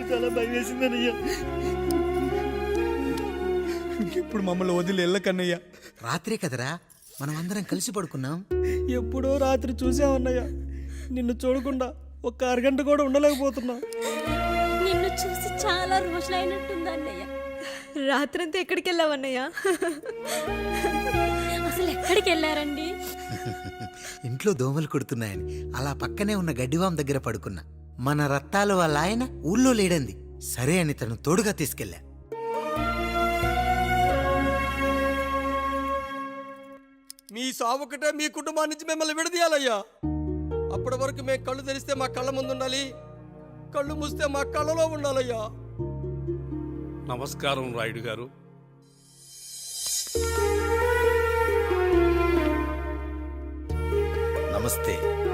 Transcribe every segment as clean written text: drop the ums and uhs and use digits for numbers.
చాలా భయం వేసిందనయ్యా. ఇప్పుడు మమ్మల్ని వదిలి వెళ్ళకన్నయ్యా. రాత్రే కదరా మనం అందరం కలిసి పడుకున్నాం. ఎప్పుడో రాత్రి చూసామన్నయ్యా, నిన్ను చూడకుండా ఒక్క అరగంట కూడా ఉండలేకపోతున్నా. నిన్ను చూసి చాలా రోజులైనట్టుంది అన్నయ్య. రాత్రంతా ఎక్కడికి వెళ్ళావన్నయ్యా? అసలు ఎక్కడికి వెళ్ళారండి? ఇంట్లో దోమలు కొడుతున్నాయని అలా పక్కనే ఉన్న గడ్డివాం దగ్గర పడుకున్నా. మన రత్తాలు వాళ్ళ ఆయన ఊళ్ళో లేడంది. సరే అని తను తోడుగా తీసుకెళ్ళా. మీ సావుకటే మీ కుటుంబాన్ని నుంచి మిమ్మల్ని విడదీయాలయ్యా. అప్పటి వరకు మేము కళ్ళు తెరిస్తే మా కళ్ళ ముందు ఉండాలి, కళ్ళు మూస్తే మా కళ్ళలో ఉండాలయ్యా. నమస్కారం రాయుడు గారు. నమస్తే.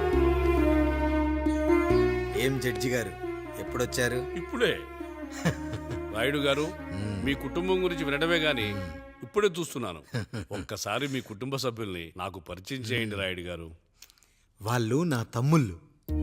ఏం జడ్జి గారు ఎప్పుడొచ్చారు? ఇప్పుడే. రాయుడు గారు, మీ కుటుంబం గురించి వినడమే గాని ఇప్పుడే చూస్తున్నాను. ఒక్కసారి మీ కుటుంబ సభ్యుల్ని నాకు పరిచయం చేయండి రాయుడు గారు. వాళ్ళు నా తమ్ముళ్ళు.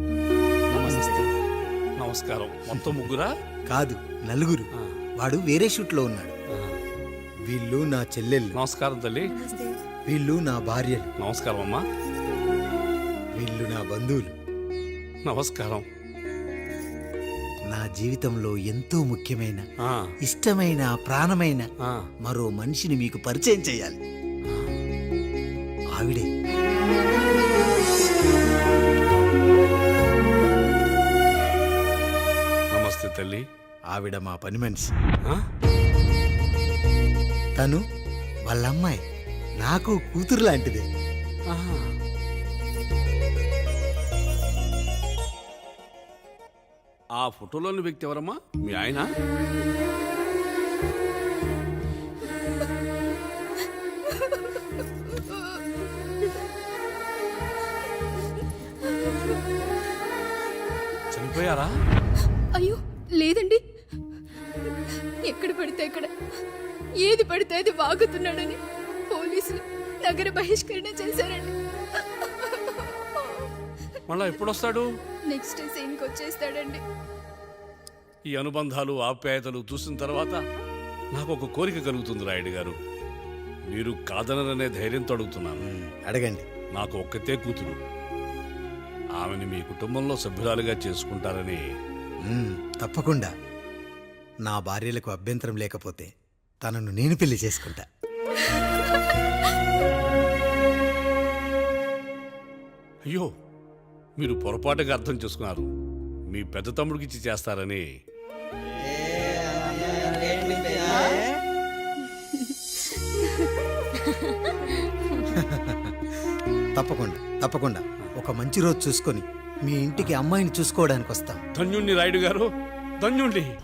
నమస్కారం. మొత్తం ముగ్గురా? కాదు, నలుగురు. వాడు వేరే షూట్లో ఉన్నాడు. వీళ్ళు నా చెల్లెళ్ళు. నమస్కారం తల్లి. వీళ్ళు నా భార్యలు. నమస్కారం అమ్మా. వీళ్ళు నా బంధువులు. నమస్కారం. నా జీవితంలో ఎంతో ముఖ్యమైన, ఆ, ఇష్టమైన, ప్రాణమైన ఆ. మరో మనిషిని మీకు పరిచయం చేయాలి. ఆవిడే నమస్తే తల్లి. ఆవిడ మా పని మనిషి. ఆ? తను వాళ్ళ అమ్మాయి. నాకు కూతురు లాంటిదే. ఆహా. ఆ ఫోటోలోని వ్యక్తి ఎవరమ్మా? మీ ఆయన? చనిపోయారా? అయ్యో లేదండి, ఎక్కడ పడితే అక్కడ ఏది పడితే అది వాగుతున్నాడని పోలీసులు నగర బహిష్కరణ చేశారండి. మళ్ళా ఎప్పుడొస్తాడు? నెక్స్ట్ సీన్కి వచ్చేస్తాడండి. ఈ అనుబంధాలు, ఆప్యాయతలు చూసిన తర్వాత నాకు ఒక కోరిక కలుగుతుంది రాయుడు గారు. మీరు కాదనరనే ధైర్యంతో అడుగుతున్నాను. అడగండి. నాకు ఒక్కతే కూతురు. ఆమెను మీ కుటుంబంలో సభ్యురాలుగా చేసుకుంటారని. తప్పకుండా. నా భార్యలకు అభ్యంతరం లేకపోతే తనను నేను పెళ్లి చేసుకుంటా. అయ్యో, మీరు పొరపాటుగా అర్థం చేసుకున్నారు. మీ పెద్ద తమ్ముడికి ఇచ్చి చేస్తారని. తప్పకుండా తప్పకుండా ఒక మంచి రోజు చూసుకొని మీ ఇంటికి అమ్మాయిని చూసుకోవడానికి వస్తాం. ధన్యుణ్ణి రాయుడు గారు, ధన్యుణ్ణి.